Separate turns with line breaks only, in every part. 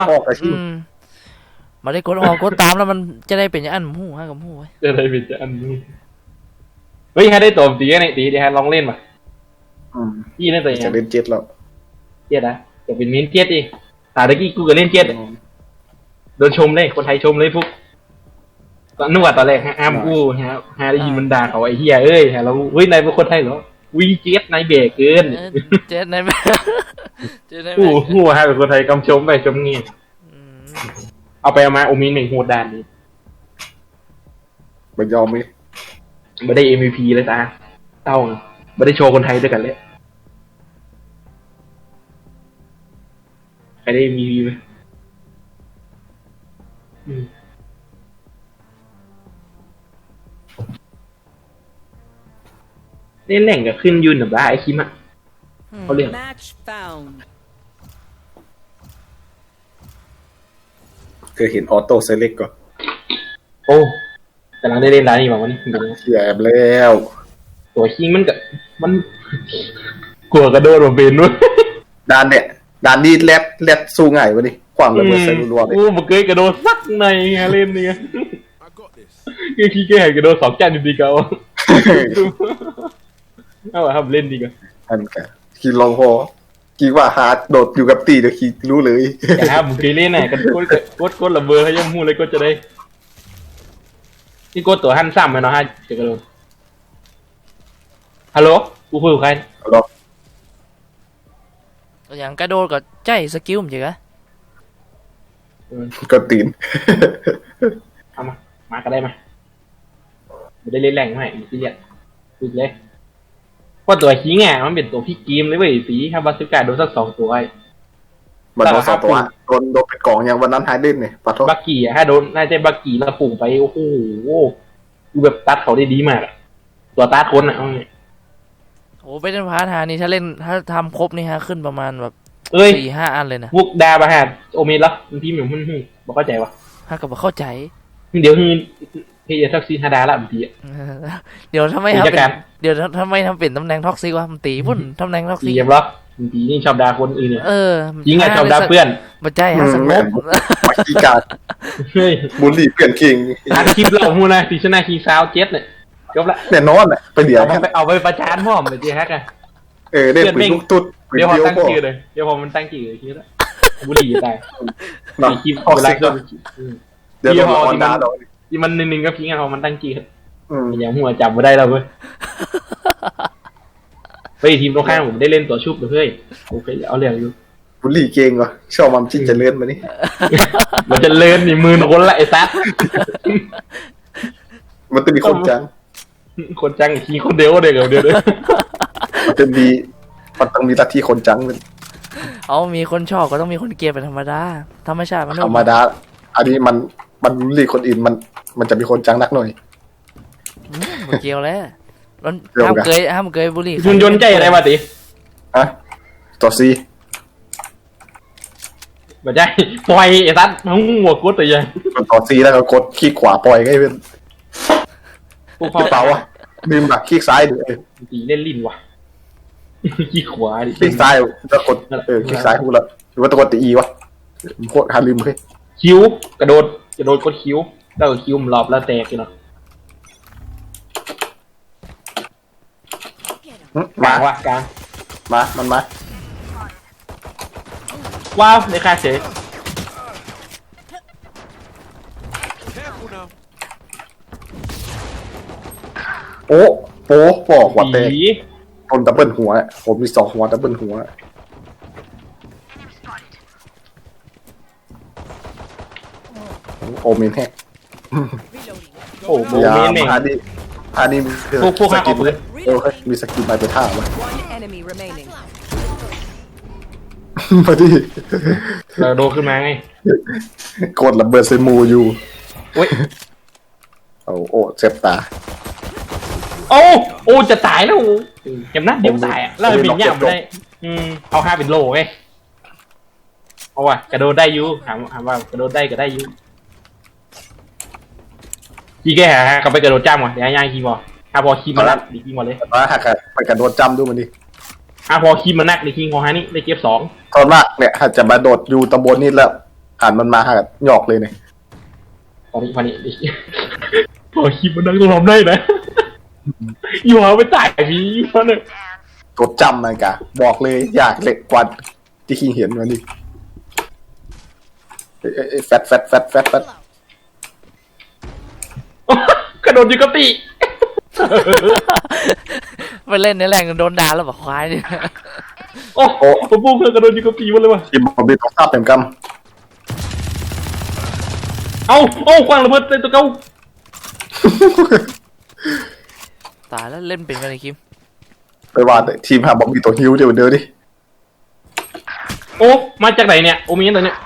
ออกกระชิ่
มาได้กดออกกดตามแล้วมันจะได้เป็นอย่างอันหูฮะกับหูไว้
จะได้เป็นอันนี้เฮ้ยให้ได้ตัวตีไงตีเดี๋ยวลองเล่นมาพี่เล่นตัวยัง
จะเล่นเจ็ดแล้ว
เจ็ดนะจะเป็นเมนเจ็ดดิตาตะกี้กูก็เล่นเจ็ดโดนชมเลยคนไทยชมเลยพวกตอนนึกว่าตอนแรกห้ามกูฮะได้ยินมันด่าเขาไอ้เหี้ยเอ้ยเราเฮ้ยนายเป็นคนไทยเหรอวิ่งเจ็ดนายเบรกเกิน
เจ็ดนายเบรก
กูฮะเป็นคนไทยกำชมไปชมเงี้ยเอาไปเอามาโอมินเหม่งโหดด่านนี้
ไม่ยอมมั้ย
ไม่ได้ MVP เลยตาเต้าไม่ได้โชว์คนไทยด้วยกันเลยใครได้ MVP ไหมเล่นแหล่งกับขึ้นยืนแบบว่าไอคิมอ่ะเขาเรียก
เคยเห็นออโต้เซเล็กก่อน
โอ้กำลังได้เล่นร้านนี้บอกว่านี่
เสียบแล้ว
ตัวคิงมันกับมันกลัวกระโดดมาเป็นด้วย
ด่านเนี่ยด่านนี้แรดสู้ง่ายวะดิความระเบิดใส่รัวๆเลย
โอ้มันเคยกระโดดสักในเล่นเนี่ยคือขี้เกียจกระโดด2 จานดีๆก็เอาครับเล่นดีกว่า
อันกันขี่ลองพอขี่ว่าฮาร์ดโดดอยู่กับตีเดี๋ยวขี่รู้เลย
แต่ครับมึงเคยเล่นไหนกันกดระเบิดให้ย่ำหูเลยก็จะได้นี่กดตัวหันซ้ำไปเนาะฮะจะกระโดดฮัลโหลกูคุยกับใคร
อย่างกระโดดก็ใจสกิลมันเจ๋ง
ก็ตีน
เอามาก็ได้มาไม่ได้เล่นแรงให้ที่เรียกฝึกเลยเพราะตัวขี้แง่มันเป็นตัวพี่กีมเลยเว้ยสีครับบาสก้าโดนสัก2 ตัวไอ้
มันโดน2 ตัวโดนเป็นกล่องอย่างวันนั้นหายเล่นเนี่ยปัด
บักกี้ฮะโดนน่าจะบักกี้แล้วปุ่งไปโอ้โหดูแบบตัดเขาได้ดีมากตัวตัดคนอ่ะ
โอ้ไปเล่นพาร์ทหานี่ถ้าเล่นถ้าทำครบนี่ฮะขึ้นประมาณแบบ4-5 อันเลยนะ
พวกดาบะฮะโอเมนละมันพี่เหมือนหุ่นบอกเข้าใจวะ
ฮะกับเข้าใจ
เดี๋ยวพี่จะทักซีฮาดาละบางที
เดี๋ยวทำไมทำเป็นเดี๋ยวทำไมทำเป็นตำแหน่งท็อกซิกวะมันตีพุ่นตำแหน่งท็อกซิก
เยี่ยมล็อกบางทีนี่ชอบด่าคนอื่นเนี่ยยิงไงชอบด่าเพื่อน
บัจจัยฮะสงบ
มาขี้กาดบุลลี่เพื่อนคิง
อัดคลิปเราพูดนะตีชนะคิงซาวเจ็ดเนี่ยจบละ
แน่นอนแหละไปเดี๋ยว
เอาไปประจานพ่อมไปจีแฮกไง
เด็กเป็นลูกตุ๊ด
เดี๋ยวพอตั้งชื่อเลยเดี๋ยวพอมันตั้งชื่อเลยคิดแล้วบุลลี่ตายมีคลิปเวลา
เดี๋ยวพอ
ที่มันนึงๆก็พิงเอามันตั้งจีครับอย่างหัวจับมาได้แล้วเว้ยไปทีมตรงข้างผมได้เล่นตัวชุบเลยเฮ้ยโอเคเอาเรื่องอยู่
บุลลี่เก่งว่ะชอบมันจริงจะเลื่อนมานี่
มันจะเลื่อนนี่มือคนละไอ้ซัด
มันจะมีคนจัง
ขี่คนเดียวเดียว
มันต้องมีลัทธิคนจังเลย
เอามีคนชอบก็ต้องมีคนเกลียดเป็นธรรมดาธรรมชาติมัน
ธรรมดาอันนี้มันบุลลี่คนอื่นมันจะมีคนจังนักหน่อย
เกี่ยวแล้วมันห้ามเกยบุลลี่
คุณยนต์ใจอะไรมาติ
อะตัวซี
ไม่ใช่ปล่อยไอ้ซัดหัวกดตัวใหญ่
ตัวซีแล้วก็กดคลิกขวาปล่อยไงเป็นพวกเปล่าอ่ะลืมแบบคลิกซ้ายดิ
ตีเล่นลิ้นว่ะคลิกขวาดิ
คลิกซ้ายแล้วกดคลิกซ้ายพูดแล้วหรือว่าตัวกดตีอีวะโคตรหาลืมเลย
คิ้วกระโดดกดคิ้วแล้วก็คิ้วมันรอบแล้วแตกเลยเนาะมาว่ะกลาง
มันมา
ว้าวในค่าเฉย
โอ้หัวแตกโดนดับเบิลหัวผมมี2 หัวดับเบิลหัวโอเมนแฮก
โอ้โหเมนเอง
อันนี้
พวกสกิน
เลยมีสกินไปท่าวะพอดี
เราโดขึ้นมาไง
กดระเบิดใส่มูอยู่โอ้เจ็บตา
โอ้จะตายแล้วเจ็บนัดเดี๋ยวตายอ่ะแล้วเป็นย่ำได้เอา5เป็นโลไงเอาว่ะกระโดดได้ยูถามว่ากระโดดได้ก็ได้ยูกี่แก่ฮะเขาไปกระโดดจ้ำว่ะเดี๋ยวย่างคีมพอคีมมาแล้วดีคีมมาเลย
ว่าหากไปกระโดดจ้ำดูมันดิ
พอคีมมานักดีคีมของฮานี่ได้เก็บ2
ตอนมากเนี่ยถ้าจะมาโดดอยู่ตำบลนี้แล้วหันมันมาหาหยอกเลยเนี่ย
วันนี้พอคลิปมันนั่งต้องทำได้นะอยู่เอาไปจ่ายพี่มันเนี่ย
กดจำมันกะบอกเลยอยากเล็กกว่าที่คิงเห็นมันดิแฟต
กระโดดอยู่กับตี
ไปเล่นในแรงโดนด่าแล้วบอกควายเนี่ย
โอ้โหผมพูดเพื่อกระโดดอยู่กับตีมันเลยว่ะ
ทีมบอลบีต้องทราบเต็มก
เอาคว้างระเบิดใส่ตัวเก่า
ำ
ตายแล้วเล่นเป็นกันเลยคิม
ไปว่าแต่ทีมหาบอลบีตัวฮิวเดี๋ยวเดินดิ
โอ้มาจากไหนเนี่ยโอมีนตัวเนี้ย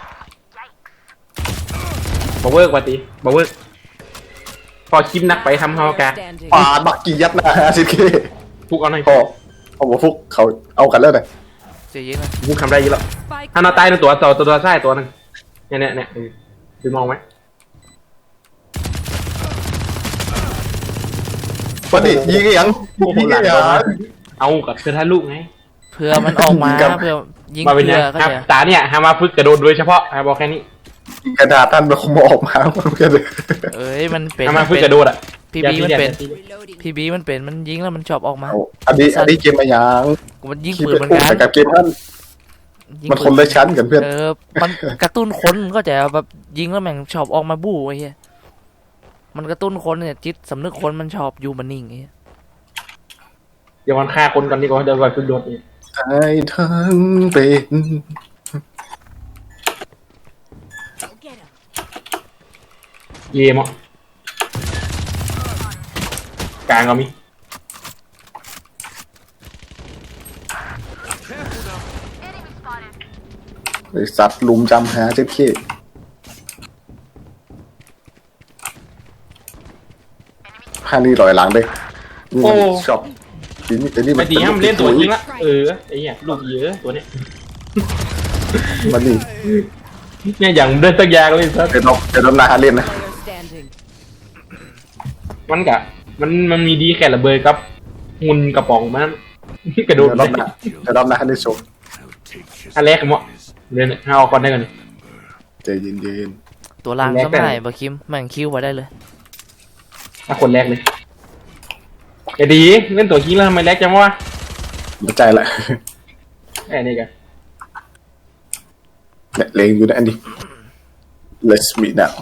บาเวิร์กว่าตีบาเวิร์กพอคลิปนักไปทำเฮากา
Standing.
ปาดบักกี้ยัดหน้า50K
ฟุกเอาหน่อย
พอเอาบอกฟุกเขาเอากันแล้วเลย
เจ๊เย็นนะ
ฟุกทำได้เยอะแล้ว
Spike
ถ้าเราตายในตัวซ้ายตัวหนึงเนี่ยดูมองไหม
วันนี้ยิงไอ้ยังยิงไอ้ยัง
เอากับเธอท่าลูกไง
เพื่อมันออกมา
ยิงกับ
เพื่อยิง
มาเป็น
เพื่
ยั
อง เขา
ครับ
เนี่ย
ตาเนี่ยฮามาฝึกกระโดดโดยเฉพาะฮาบอกแค่นี้
กระดาษท่านมันคงออกมาเหมือนกันเลย
เอ้ยมันเป็น
ฮามาฝึกกระโดดอ่ะ
พีบีมันเป็น
reloading.
พีบีมันเป็นมันยิงแล้วมันชอบออกมา
เอาอันนี้เกมอะไรยัง
มันยิง
คิด
ปืน
เป็น
เหมือน
คู่
กัน
แต่กับเกมท่าน
ยิง
มัน
ปื
คนละชั้นกันเพื่อน
มันกระตุ้นคนก็จะแบบยิงแล้วแม่งชอบออกมาบู้ไอ้เหี้ยมันกระตุ้นคนเนี่ยจิตสำนึกคนมันชอบอยู่มันนิ่งไอ้เหี้ย
เดี๋ยวมันฆ่าคนก่อนดีกว่าเดี๋ยวก่อนฝึกโดดนี่
ใจทั้งเป็น
Get him.
เย่มอ่ะกลางก็มี
ไอสัตว์ลุมจำหาเจ็บเค้ผ้านี่ลอยหลังเลยชอบทีนี้แต่นี่
ไปตีห้ามเล่นตัวจริงละไอ้เหี้ยลูกเยอะตัวเนี้ย
มันนี่
เนี่ยอย่างเดินสักอย่างเลยสัก
เป็นน้องนาเล่นนะ
Player standing.
มันมีดีแค่ระเบิดกับงุนกระป๋องมันกระโดด
เดี๋ยวรอบหน้าได้โชว์
อันแรกมั้งเดินเอาก่อนได้ก่อน
ใจเย็น
ตัวล่าง
แลก
ส
กัน
มัยบะคิมแม่งคิวไว้ได้เลย
ถ้าคนแรกเลยอย่าดีเล่นตัวขี้แล้วทำไมแรกจังวะ
ๆหัวใจแหละ
ไอ้นี่กัน
เนี่ยเลงอยู่นะอันนี้ Let's meet now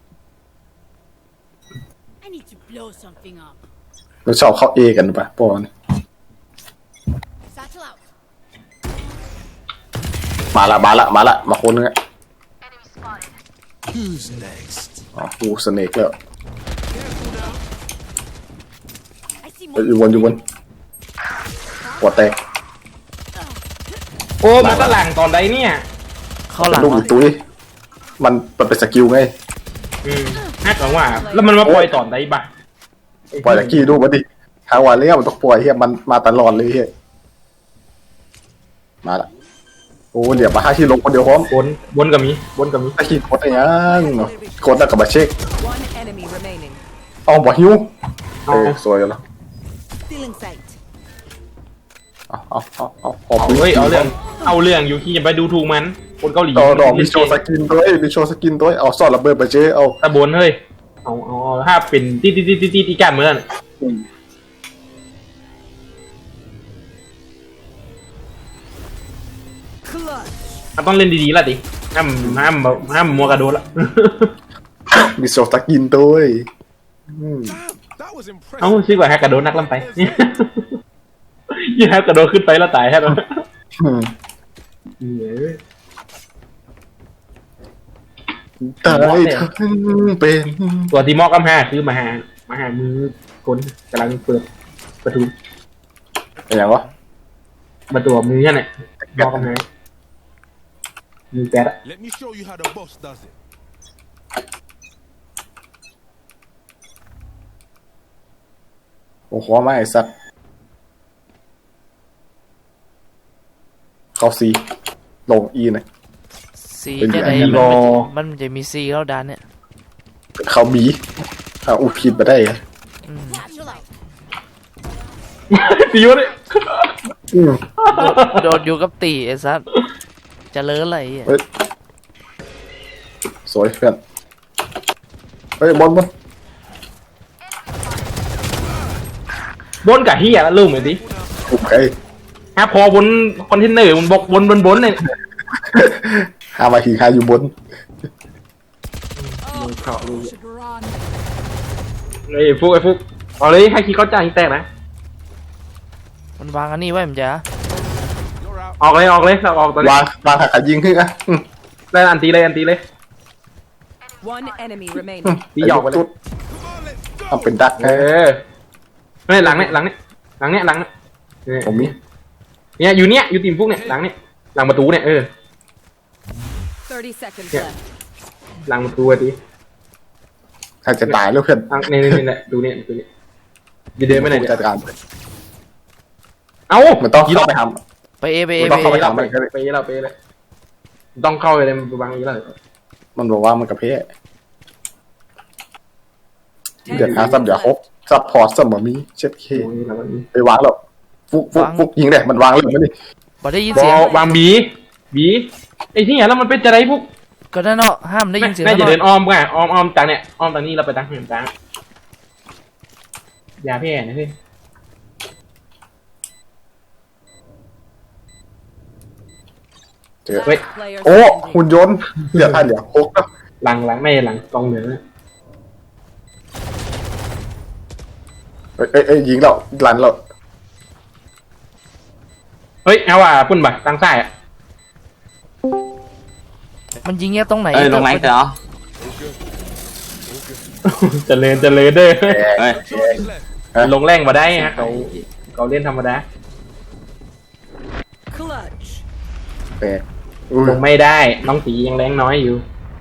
I need to blow something up.
มันชอบเข้าเอกันปะปอน
Satchel out.
มาคนนึงอ่ะ
Who's next?
อ๋อกูสเนกแล้ว
I see
อยู่
more.
บนหัวแตก
โอ้มาตะหลังตอนใดเนี่ย
เข้าหลัง
ลูก
วะ
อีตุ้ยมันเป็นสกิลไง
ฮักหลังว่า แล้วมันมาปล่อยตอนใดบ้า
ปล่อยตะกี้ดูมันดิทางวันเนี้ยมันต้องปล่อยเฮียมันมาตลอดเลยเฮียมาละโอ้เดี๋ยวมาห้าที่ลงคนเดียวพร้อม
บนกับมี
ตะกี้กดอะไรยังกดแล้วกับมาเช็ค
One enemy remaining.
เอาบ่หิว
เอา
สวยแล้ว
Still in sight.
เอา
เฮ้ยเอาเรื่องอยู่ที่จะไปดูถูกมันคนเกาหลี
ดอกมีโชว์สกินด้วยเอาซ่อนระเบิดไปเจ๊เอา
ตะบนเฮ้ยเอาถ้าเป็นตีกันเหมือน ต้องเล่นดีๆละดิห้ามมัวกระโดดละ
มีโชว์สกินด้วย
That was impressive.
เอ้าชื่อว่าแฮกกระโดดนักล่ำไปยี่แฮกกระโดดขึ้นไปแล้วตายแฮกแล้ว
ตายทั้งเป็น
ตัวที่มอกกำหาคือมาหามือคนกำลังเปิดประตู
อย่างวะ
ประตูมือนั่นแหละมอกกำหามือแก๊ส
Let me show you how the boss does it.
โอ้โหไม่ไอ้สัตว์เข้าซีลงอีหน่อย
ซี
เป็น
จะ
อย่าง
ไหน
นี้
มันจะมีซีแล้วดันเนี่ย
เข้าบีอุผิดมาได้อะ
Satchel out.
ตีวะเนี่ย
โดดอยู่กับตีไอ้สัสจะเลิศอะไรอ่ะ
เฮ้ยสวยเพื่อนเฮ้ยบอล
บนกับเฮียแล้วลืมเลยดิ
ถูกไอ้
ฮะพอบนคอนเทนเนอร์มันบอกบนเนี่ย
หามาขี่คาอยู่บน
Should run.
ไอ้ฟุกเอาเลยให้คีย์เขาจ่ายแตกนะ
มันวางอันนี้ไว้มันจะ
You're out.
ออกเลยเราออกตอนนี้
วางขายิงขึ้นอ่ะ
ได้อันตีเลย
One enemy remaining.
ตีหยอกไปเลย
จุด
Come on, let's go.
ทำเป็นดัก
เออไม่หลังเนี่ย
ผมมี
เนี่ยอยู่ทีมฟุกเนี่ยหลังเนี่ยหลังประตูเนี่ย
30 seconds
Yeah.
left.
หลังประตูอะที
ถ้าจะตายแล้วเพื่อน
นี่แหละดูเนี่ยจะเดินไปไหนเนี่ย
จัดการ
เอ้า
มันต้องเข้าไปท
ไปเอ
ไปเลยต้องเข้าไปเลยมันบังอีกแล้ว
ำมันบอกว่ามันกระเพาะเดือดหาซับเดี๋ยวครบซับพอร์ตเสมอมีเช็ดเค
โอ้ยแล้วมัน
ไปวางแล้วฟุกยิงเลยมันวางเลยมันนี่
บ่ได้ยิน
บ
เสียง
อวางบีไอ้ที่เนี่ยแล้วมันเป็นจะไรพวก
ก็นั่นเนาะห้ามได้ยินเสียง
น่าจะ
ตลอ
เดิ
ด
นอ้อมก่อนอ้อมจากเนี่ยอ้อมตอนนี้เราไปตั้งเหินตั้งยาแพ้นะพี่
เจอ
Last player
โอ้
standing.
หุ่นยนต์เหลือท่านเดี๋ยวโคกแล้ว
หลังไม่หลังกองเหนือ
เอ้ยยิงเราลันเรา
เฮ้ยเอาว่าปุ่นบ่ตั้งซ้ายอ่ะ
มันยิงแค่ตรงไหน
ลงไลน์เหรอ
เจริญเด้อ
เฮ้ย
Charge left.
ลงแรงมาได้ฮะเขาเล่นธรรมดา
Clutch.
แปลก
ลงไม่ได้น้องตียังแรงน้อยอยู่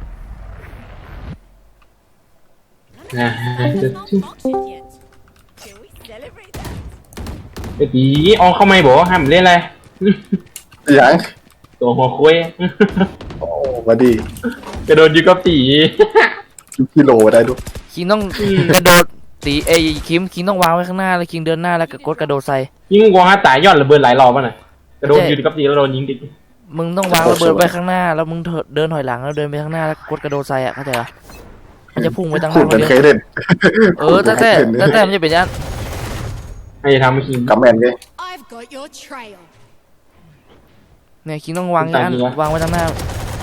นะ
yet. Can we celebrate that?
ไอ้ตีออกเข้าไม่บอกห้ามเล่นอะไร
ยัง
ตัวหัวคุย
โอ้มาดี
กระโดดอยู่กับตี
กิโลได้ดู
คิงต้องกระโดดตีเอคิงต้องวางไว้ข้างหน้าแล้วคิงเดินหน้าแล้วก็กดกระโดดใส่
ยิงกว่าตายยอดระเบิดหลายรอบป่ะน่ะกระโดดอยู่กับตีแล้วโดนยิงติด
มึงต้องวางระเบิดไว้ข้างหน้าแล้วมึงเดินถอยหลังแล้วเดินไปข้างหน้าแล้วกดกระโดดใส่อ่ะเข้าใจปะมันจะพุ่งไปตั้งห
คุ
น้า
ณ
ค
เป็น น
เดียว
เคยเล่น
แต่มันจะเป็นอยัน
ให้ทำคิง
กับแมนไง
I've got your trail.
เนี่ยคิงต้องวางอย่างนั้นวางไว้ตั้งหน้า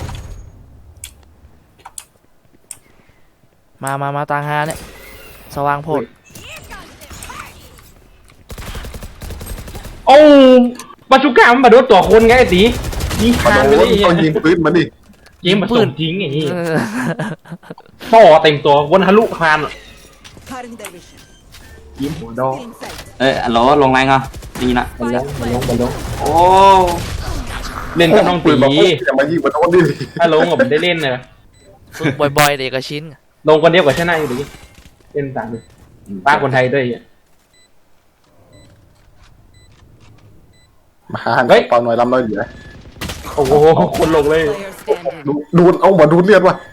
มาตางหาเนี่ยสว่างโพด
โอ้ปาชุก้ามันมาโดนตัวคนไงไอ้ตียิง
มา
คาน
โด
ไปเลย
นต้องยิงปืนมันดิ
เกมมาส่งทิ้งอย่างนี้
เออ
ต่อเต็มตัววนทะลุคาน
Cutting their vision.
ยิ้มหัวดอก
In sight.
เอ้ยลลงไลน์เหรอดีนะ
มันลง
โอ้
เล่นกับน้อง
ปื
ตี
นมาปุ๊บจะมายิงมาโดนดิ
ถ้าลงกับผมได้เล่นเลย
ฝึกบ่อยๆเด็กก็ชิ้น
ลงคนเดียวกับชนะอยู่ดีเล่นตามเลยป้าคนไทยด้วย
มาหาเปล่าหน่อยลำน้อยเหลือ
โอ้โหคนลงเลย
Player standing.
ดูเอามาดูเลือดว่ะ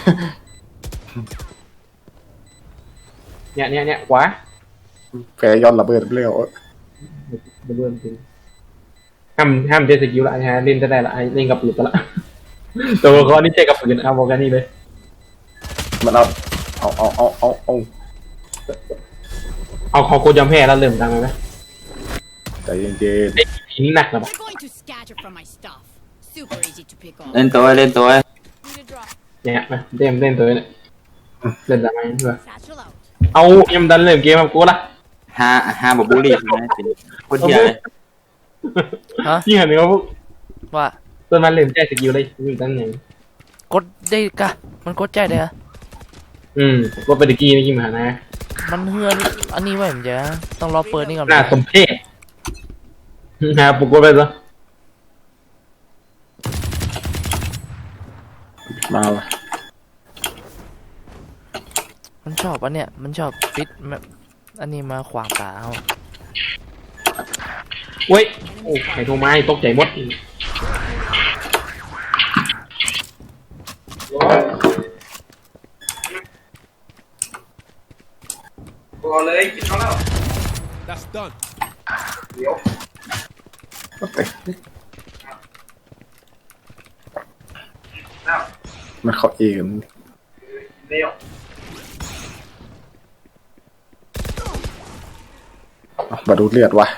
เนี่ยขวา
แผลย้อนระเบิดเร็ว
เริ่มจริงห้ามเจสกิลละฮะเล่นจะได้ละเล่นกับปืนละตัวละครนี่เจ๊กับปืนเอาบอกกันนี่เลย
มันเอา
เอาคอโคจำแพ้แล้วเริ่มดังเลยไหม
ใจเย็น
ไอ้ผีนี่หนักนะปะ
You're going to scatter from my stuff. Super easy to pick up.
เล่นตัว
Need a drop.
เนี่ยมาเล่นตัวเนี่ยเล่นทำไมเพื่อ
Satchel out.
เอายังดันเริ่มเกมกับกูละ
ห้าแบบบูลลี่ใช่ไหมเป็นคนเที่ยเลย
ฮะ
ยิ่งเห็นไหมว่าพวก
ว่า
ต้นมันเริ่มแจ้สกิลเลยยิ่งตั้งอย่าง
กดได้กะมันกดใจได้อะ
ว่าเป็นตะกี้นี่ยิ่งมานะ
มันเฮือนอันนี้ไว้ผมจะต้องรอเปิดนี่ก่อน
น่าสมเพชฮะปลุกไปซะ
มาว่ะ
มันชอบอันเนี้ยมันชอบปิดแบบอันนี้มาขวางตาเอา
เว้ยโอ้ไข่โทรไม้ตกใจหมดพอเลยกินเขาแล้ว
That's done.
มันเขาเองมาดูดเลือดวะ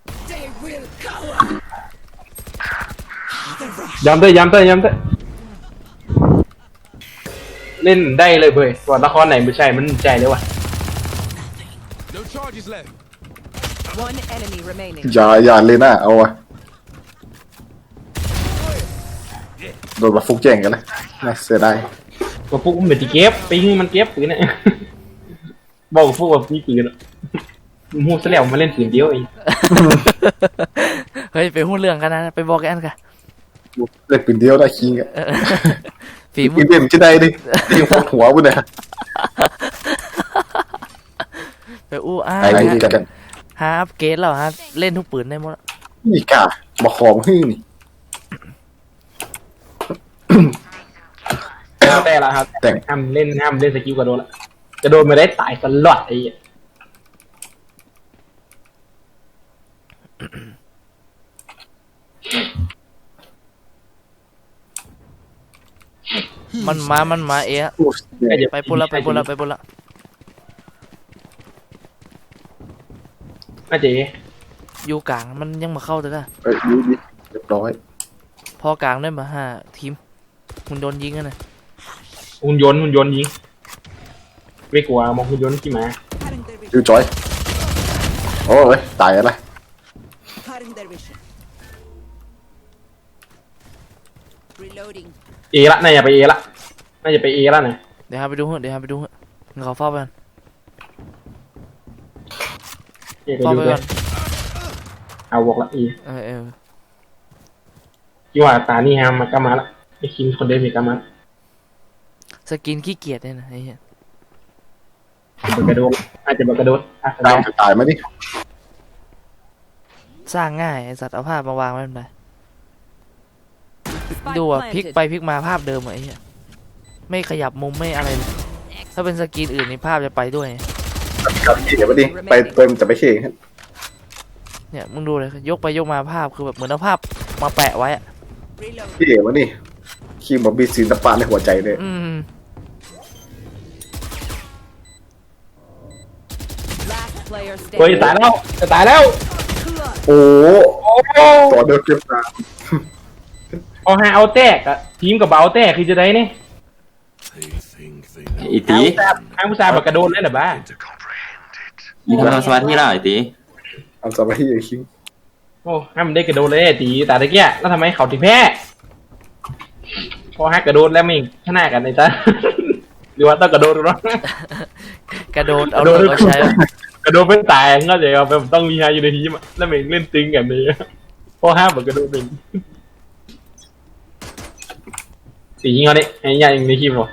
ย้ำเต้เล่นได้เลยเว้ยส่วนละครไหนไม่ใช่มันใจเลยว่ะ
No charges left.
One enemy remaining.
อย่าเลยนะเอาวะโดนมาฟุกแจ้งกันเลยน่าเสียดาย
ก็พวกมันเป็นที่เก็บปิงมันเก็บปืนเนี่ยบอกกับพวกว่ามีปืนอะมูสแล้วมาเล่นปืนเดียวเอง
เฮ้ยไปหุ้นเรื่องกันนะไปบอกกันกัน
เล่นปืนเดียวได้คิงอ่ะ
ฝีมื
ปื
อน
เด่นจะได้ดิยิงพกหัวบุญเนี่ย
ไปอู้อ้า
ไอ้นี่กัน
ฮาอัพเกรดแล้วฮะเล่นทุกปืนได้หมด
นี่กะมาขอมหึ่งนี่
แต่ละครับ
แต่ง
ห้ามเล่นสกิลกระโดดละกระโดดไม่ได้ตายตลอดไอ้เหี้ย
มันมาเอะ ไปปุ่นละ
อาเจ๊
อยู่กลางมันยังมาเข้าแต่ละ
เอ้ยดูดิเรียบร้อย
พอกลางได้มา5 ทีมมันโดนยิงกันนะ
หุ่นยนต์ยิงไม่กลัวมองหุ่นยนต์ขี่ม้า
Cutting their vision.
ดูจอยโอ้ยตายอะไร
Cutting their vision.
Reloading.
เอละน่าจะไปเอละนะ
เดี๋ยวฮะไปดูเหอะเขาเฝ้าไปก่อน
เอไป
เฝ้า
ดู
ไป
เล
ก่อย น
เอาบอกละเอ
เออ
ที่ว่าตานี่ฮามากามาละไอ้คิงคนเดิมมีกามา
สกินขี้เกียจเนี่ยนะไอ้เหี้ย
บักกระโดดอาจจะบักกระโดดอ่ะ
ตามจะตายไหมนี่
สร้างง่ายไอ้สัตว์เอาภาพมาวางไว้ไม่ได้
Spike
ดูพลิก
planted.
ไปพลิกมาภาพเดิมอะไอ้เหี้ยไม่ขยับมุมไม่อะไรเลยถ้าเป็นสกินอื่นนี่ภาพจะไปด้วย
กับเขี่ยมาดิไปเติมจะไปเขี่ย
เนี่ยมึงดูเลยยกไปยกมาภาพคือแบบเหมือนเอาภาพมาแปะไว้อะ
Reload.
เขี่ยมาดิคิงบอกมีศิลปะในหัวใจเลย
Last player
เฮ้ย
standing.
ตายแล้วจะตายแล้ว
โอ้
โอ้
ต่อเดินเก็บตา
พอหาเอาแตกอะทีมกับเบาแตกคือจะได้นี่
They think they
อีตี
หาผู้ชายบักกระโดดได้หรือบ้า
มีทำสมาธิแล้วไอ้ตี
เอาสบายที่คิง
โอ้ห้ามได้กระโดดเลยไอ้ตีตาตะเกียแล้วทำไมเขาถึงแพ้พอฮักกระโดดแล้วไม่ชนะกันไอ้ตา หรือว่าต้องกระโดดหรอก
กระโดดเอาเลิกเอาใช้
กระโดดไม่ตายก็จะเอาไปต้องมีฮาอยู่ในทีมอะแล้วเมงเล่นตึงกันเลยพอห้ามแบบกระโดดเป็นตียิงเอาดิไอ้ยายิงในทีมหรอ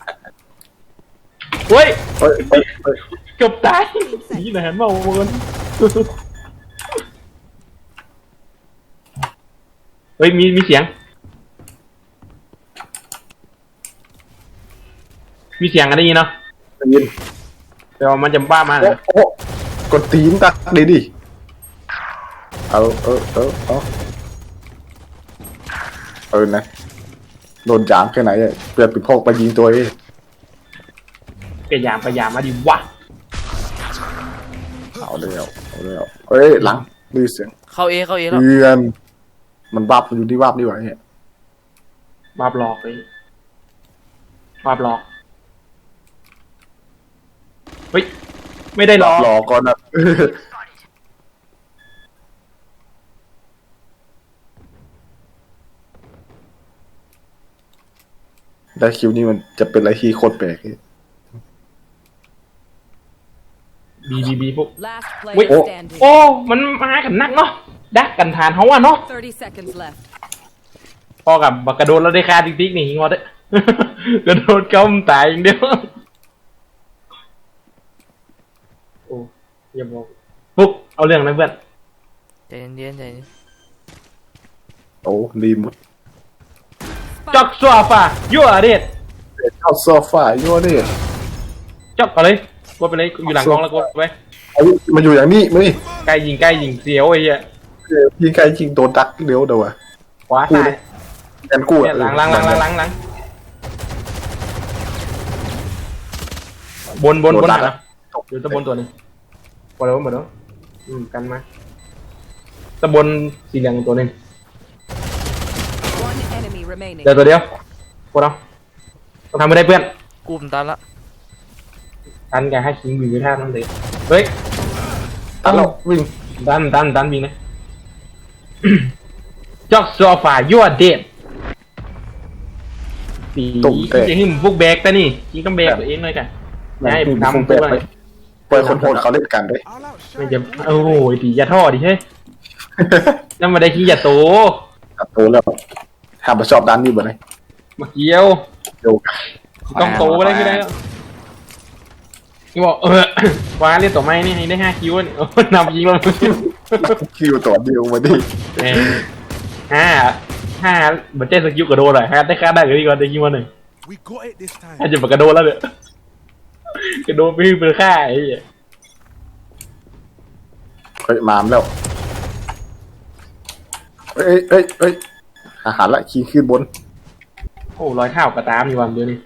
เฮ้ย
เฮ้ยเฮ้ยเฮ้ย
เกือบตายนี่นะฮันมาโวนเฮ้ยมีเสียง มีเสียงกันได้ยินเนาะ
ได้ยิน
แต่ว่ามันจะบ้ามา
โอ้กดตีนตักดีดิเอานะโดนจามแค่ไหนอะเปลือกปิดพกไปยิงตัวเอง
พยายามมาดิวะ
เอาเร็วเฮ้ยหลังดูเสียง
เข้าเอแล้ว
เพื่อนมันวับมันอยู่ที่วับดีกว่าเนี่ย
บาบหลอกเลยบาบหลอกเฮ้ยไม่ได้หลอก
รอก่อนนะได้คิวนี่มันจะเป็นอะไรที่โคตรแปลก
บีพวก
Last
Wait.
player standing.
โอ้มันมากันนักเนาะดักกันทานเขาอะเนาะ
30 seconds left.
พอกับบักกระโดดแล้วได้ค่าติ๊กนี่งอดเลย กระโดดก้มตายอย่างเดียวโอ้อย่าบอกปุ๊บเอาเรื่องนะเพื่อน
ใจเย็น
โอ้ดีหมด
จอกโซฟายั่วเด็ด
เข้าโซฟาโย่นี่
จอกเอาเลยกดไปเลยอยู่หลังกองแล้วกดไป
เอามาอยู่อย่างนี้มานี่
ใกล้ยิงเสียวไอ้เหี้ย
ยิงใครยิงโดนดักเดี๋ยววะ
ขวาซ้าย
แอนกู้
เนี่ยหลังบน
โดนดัก
นะอยู่ตะบนตัวหนึงหมดแล้วกันมาตะบนสีเหลืองตัวหนึง
One enemy remaining.
เดี๋ยวตัวเดียวพวกเราต้องทำไม่ได้เพื่อน
กูมนตันละ
ดันแกให้คิงวิ่งไปท่านั่นเลยเฮ้ย
ตันเรา
วิ่งดันวิ่งนะ จอกโซฟายั่วเด็ดสีจะหิ้มพวกแบกแต่นี่ยิงก็แบกตัวเองเลยกันให้ผมทำ
ไป
ตัว
ปล่อยคนโหดเขาเล่นกันด้วย
I'll outshine
ไม่จะ
you.
โอ้โหตีอย่าท่อดิเฮ้ยแล้วมาได้ขี้อย่าโต
ตัดโตแล้วทำมาชอบด้านนี้บ่เลย
มาเกี้ยว
โยก
ต้องโตอะไรก็ได้แล้วที่บอกว้าเรียกตัวไม้นี่ให้ได้5 คิวนี่นำยิงเรา
คิวตัวเดียวมาดิ
ห้าเหมือนเจ๊สกิลกระโดดเลยฮะได้ค่าได้ก็ดีกว่าได้ยิงมาหนึ่ง
We got it this time.
อาจจะกระโดดแล้วเนี่ยกระโดดไปเป็นค่าไอ้เหี้ย
เฮ้ยมามแล้วเอ้ยอาหารละขี่ขึ้นบน
โอ้รอยเท้ากระตามอยู่วันเดียวนี่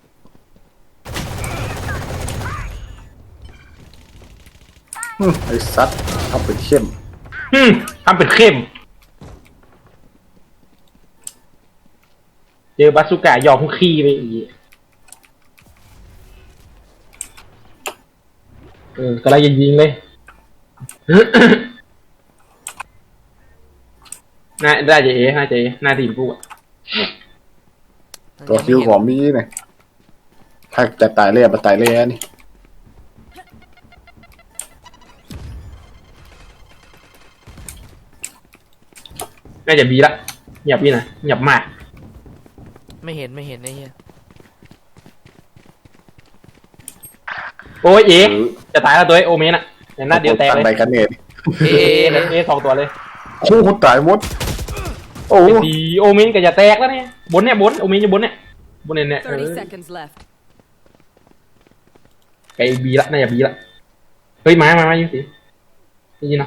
ไอ้ซัดทำเป็นเข้ม
ทำเป็นเข้มเจอบาสุก้ายอมขี้ไปอีกกำลังยิงเลย น่าได้จะน่าจะน่าทีมกูอ่ะ
ตัวคิวของมีเนี่ยถ้าจะตายเล่มาตายเล่นี่
น่าจะบีละหยับพี่นะหยับมาก
ไม่เห็นไอ้เหี้ย
โอ้ยจะตายแล้วตัวไอ้โอเมนอ่ะเดี๋ยวหน้าเดียวแตก
ตั้ง
เล
ใด
ย
กันเนี่ย
สองตัวเลย
โอ้โหตายหมดโอ้
ดีโอเมนก็จะแตกแล้วเนี่ยบนโอเมนจะบนเนี่ย
30 seconds left.
ไก่บีละน่าจะบีละเฮ้ยมาอยู่สิได้ยินเนาะ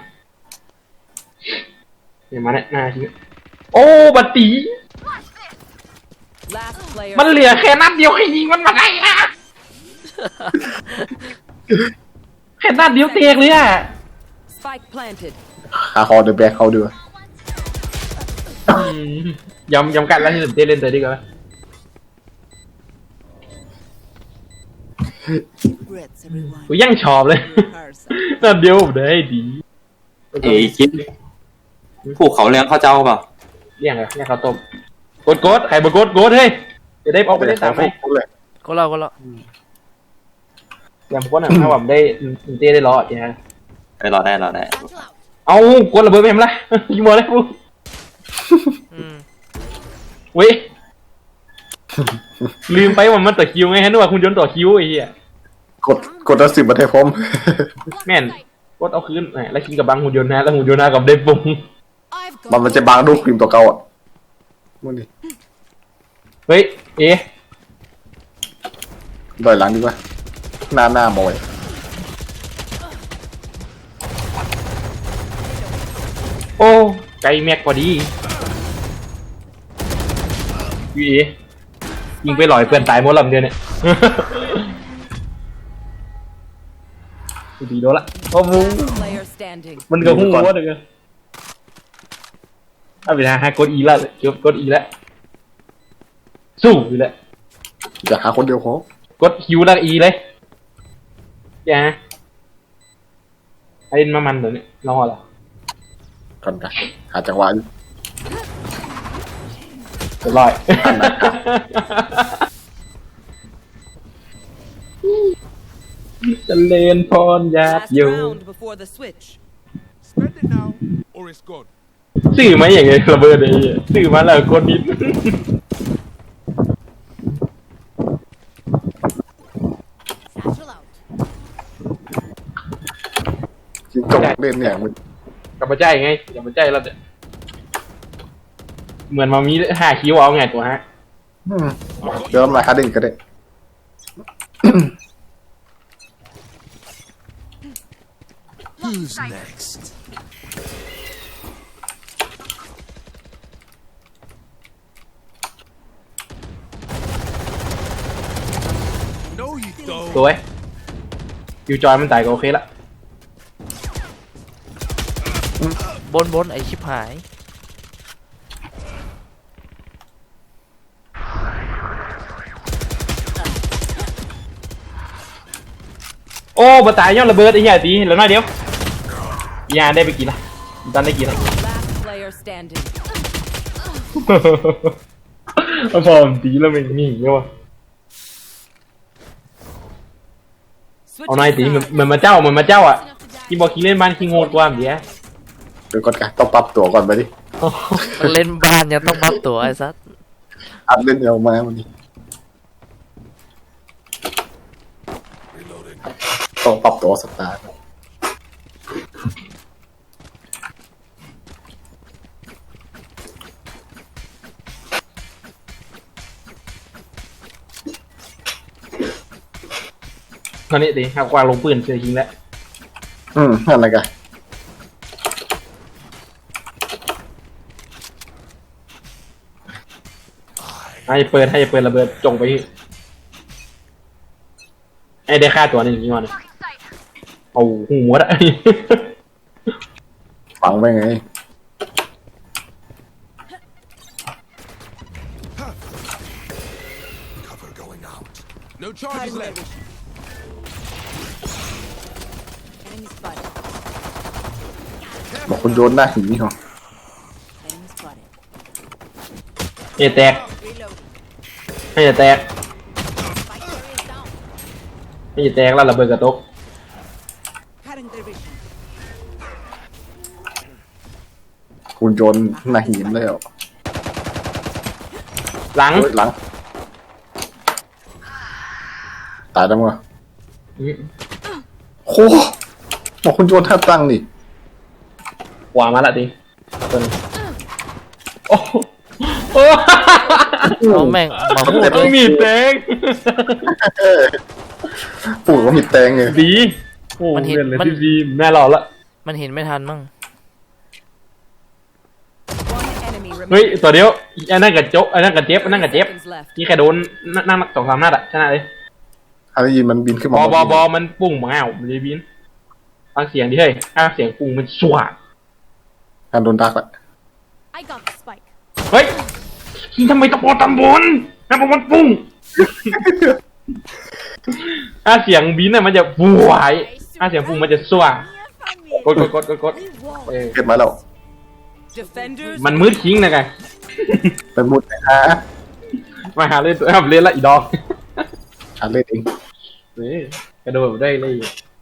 เดี๋ยวมาเนี่ยหน้าชิ้นโอ้บัตตี
Last player.
มันเหลือแค่นัดเดียวให้ยิงมันมาได้นะแค่นัดเดียวเตกเลยอ่ะ
Spike planted.
หาคอเดอะแบกเขาด้วย
ยำกันแล้วที่สุดเล่นเตะดีกว่า
Regrets, everyone.
กูยังชอบเลย นัดเดียวผมได้ดี
เอ้ยคิดผูกเขาเลี้ยงเขาเจ้าเปล่า
เรียกข้าวต้มกดใครมากดเฮ้ยจะได้ออกไปได้ตามไหม
เลย
ก็เรา
อย่างผมก็หนังถ้าผมได้เต้ได้รอดใช่ไหม
ไปรอได้
Battle out.
เอากดระเบิดไปมั้ยล่ะยิงบอลเลยกู เว้ยลืมไปว่ามันต่อคิวไงฮะนึกว่าคุณยนต์ต่อคิวไอ้เหี้ย
กดแล้ว10มาให้พร้อม
แม่นกดเอาคืนแล้วกินกับบังหุ่นยนต์นะแล้วหุ่นยนต์นะกับได้ปุ้ง
I've
มัน
got
จะบางรูปครีมตัวเก่าอ่ะมึงนี่
เฮ้ย
ดอยหลังดีกว่าหน้าบอย
โอ้ไก่แม็กพอดียิงไปหลอยเพื่อนตายหมดลำเดียวเนี่ยดีโดนละโอ้โห
Last player standing.
มันก็หุ้งวะเด้อเอาไปหากดอีแล้วกดอีแล้วสู้อยู่แล้ว
อยากหาคนเดียวพอก
ดคิวแล้วอีเลยอย่าไอ้มามันเดี๋ยวนี้รอเหรอ
ก่อนกันหาจังหวะอยู่
เรียบร้อยจะเลนพรยาบ
Last
อยู่
round before the switch.
Spend it now, or it's gone.
ซื้อมาอย่างไงระเบิดไอ้เหี้ยซื้อมาแล้วกดนิด
satchel out.
จิงจกเล่นเนี่ยมึง
กลับมาใจไงกลับมาใจแล้วเนี่ยเหมือนมามี5 คิวเอาไงตัวฮะ
เดี๋ยวมาหาเด่นก็ได้
Who's next? No, you don't.
สวยคิวจอยมันตายก็โอเคละ
บนไอชิบหาย
โอ้บตายย้อนระเบิดไอ้เหี้ยตีแล้วน้อยเดียว ยาได้ไปกี่ละดันได้กี่ละ
Last player standing.
พอมตีแล้วมันนี่เงี้ยวะ
Switch
เอาหน่อยตีเหมือนมาเจ้าอ่ะที่บอกขี้เล่นบ้านขี้โง่กว่าเดี๋ยว
เดี๋ยวก่อนกันต้องปรับตัวก่อนไปดิ
มันเล่นบ้านยังต้องปรับตัวไอ้สัส
อัดเล่นเร็วมาวันนี้ต้องปรับตัวสตาร์ท
ตอนนี้ตีเอากวางลงปืนเจอยิงแล้ว
นั่นอะไรกัน
ให้เปิดระเบิดจงไปที่ไอ้ได้ค่าตัวหนึ่งกี่วันเอาหูหมดอะ
ฟังไปไง
Cover going out. No charges left.
Enemy spotted.
บอกคุณโยนหน้าหินนี่เหรอ
Enemy spotted.
เอแตก
Reloading.
ให้จะแตก
Spike carrier is down.
ให้จะแตกแล้วระเบิดกระตก
Cutting their vision.
คุณโยนหน้าหินเลยเหรอ
หลัง
เฮ้ยหลัง ตายแล้วมั้งโอ้บอกคุณโยนท่าตั้งนี่
ขวามาละทีตัวนี้โอ้โหโอ้
เอาแม่งมาพูด
ต้
เล
อง
ย
มีดแตง
ปู่ก็มีแตงไง
ดีโอ้เล่นเลยที่ดีแม่รอละ
มันเห็นไม่ทันมั้ง
One enemy
เฮ้ย
remaining.
ตัวเดียวอันนั้นกับโจ๊กอันนั้นกับเจ็บอันนั้นกับเจ็บ
Seconds left.
นี่แค่โดนนั่ง2-3 นัดอะชนะเลย
ถ้าได้ยินมันบินขึ้น
บ
มา
อบอมันปุ้งมาอ้าวมันเลยบินฟังเสียงดิเฮ้ยถ้าเสียงปุ้งมันสว่าง
การโดนดักละ
I got the spike.
เฮ้ยยิงทำไมตะโกนตำบลตำบลมันปุ้ง ถ้าเสียงบินน่ะมันจะบวยถ้าเสียงปุ้งมันจะสว่าง กด เออ
เก็บมาแล้ว
Defenders.
มันมืดคิงนะไง
ไปมุดนะฮะ
มาหาเล่นตัวเล่นละอีดอก
อ่านเล่นเอง
นี่กระโดดได้เลย